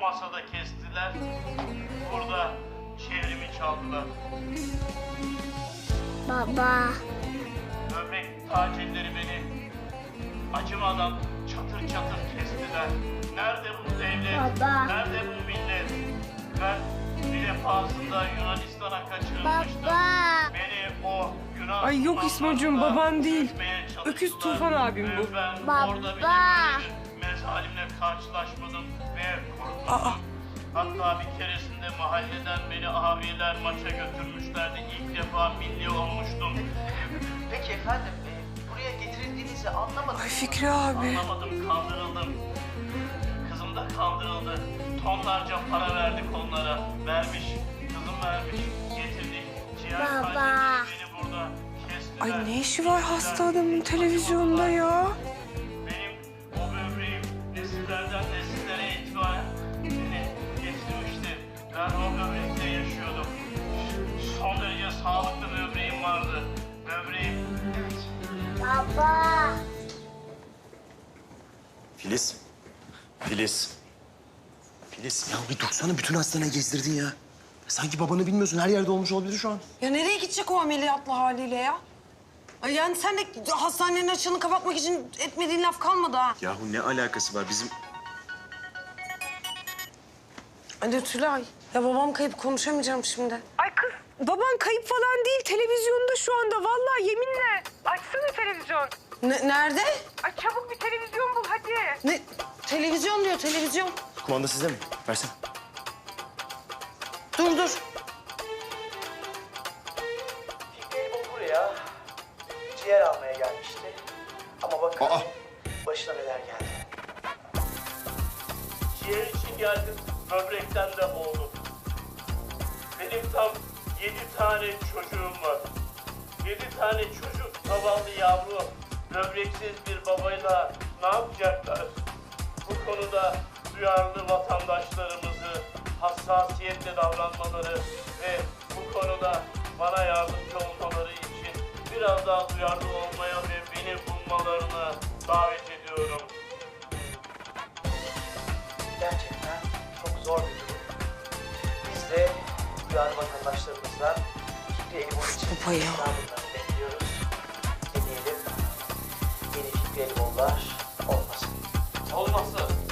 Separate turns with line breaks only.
masada kestiler. Burada çevrimi çaldılar.
Baba.
Böbrek tacirleri beni acımadan çatır çatır kestiler. Nerede bu devlet?
Baba.
Nerede bu millet? Ben bir defasında Yunanistan'a kaçırılmıştım.
Baba.
Beni o Yunan...
Ay yok İsmocuğum, baban değil. Öküz Tufan abim bu.
Ben
Baba.
orada bile böyle bir mezalimle karşılaşmadım ve kurtuldum. Hatta bir keresinde mahalleden beni abiler maça götürmüşlerdi. İlk defa milli olmuştum.
Peki efendim, buraya getirildiğinizi anlamadım.
Ay Fikri abi.
Anlamadım, kandırıldım. Kızım da kandırıldı. Tonlarca para verdik onlara. Vermiş, kızım vermiş. Getirdik. Ciğer
Baba.
kardeşim beni burada kestiler.
Ay ne işi var hasta adamın televizyonda ya?
Benim o böbreğim nesillerden nesillere itibaren beni getirmişti. Ben o böbrekle yaşıyordum. Son derece sağlıklı böbreğim vardı. Böbreğim...
Baba.
Filiz. Filiz. Filiz ya bir dursana, bütün hastaneye gezdirdin ya. Sanki babanı bilmiyorsun, her yerde olmuş olabilir şu an.
Ya nereye gidecek o ameliyatlı haliyle ya? Ay yani sen de hastanenin açığını kapatmak için etmediğin laf kalmadı ha.
Yahu ne alakası var bizim...
Hadi Tülay. Ya babam kayıp, konuşamayacağım şimdi. Ay kız, baban kayıp falan değil. Televizyonda şu anda. Vallahi yeminle. Açsana televizyon. Nerede? Ay çabuk bir televizyon bul hadi. Ne? Televizyon diyor, televizyon.
Kumanda sizde mi? Versene.
Dur.
Fikri bu buraya ciğer almaya gelmişti. Ama bakın başına neler geldi.
Ciğer için geldim, böbrekten de oldum. Benim tam 7 tane çocuğum var. 7 tane çocuk, zavallı yavru, böbreksiz bir babayla ne yapacaklar? Bu konuda duyarlı vatandaşlarımızı hassasiyetle davranmaları ve bu konuda bana yardımcı olmaları için biraz daha duyarlı olmaya ve beni bulmalarını davet ediyorum.
Gerçekten çok zor bir durum. Biz de duyarlı vatandaşlarımızdan Fikri Elibol için
Baba ya.
yardımlarını bekliyoruz. Deneyelim. Yeni Fikri Elibollar olmasın.
Olmazsa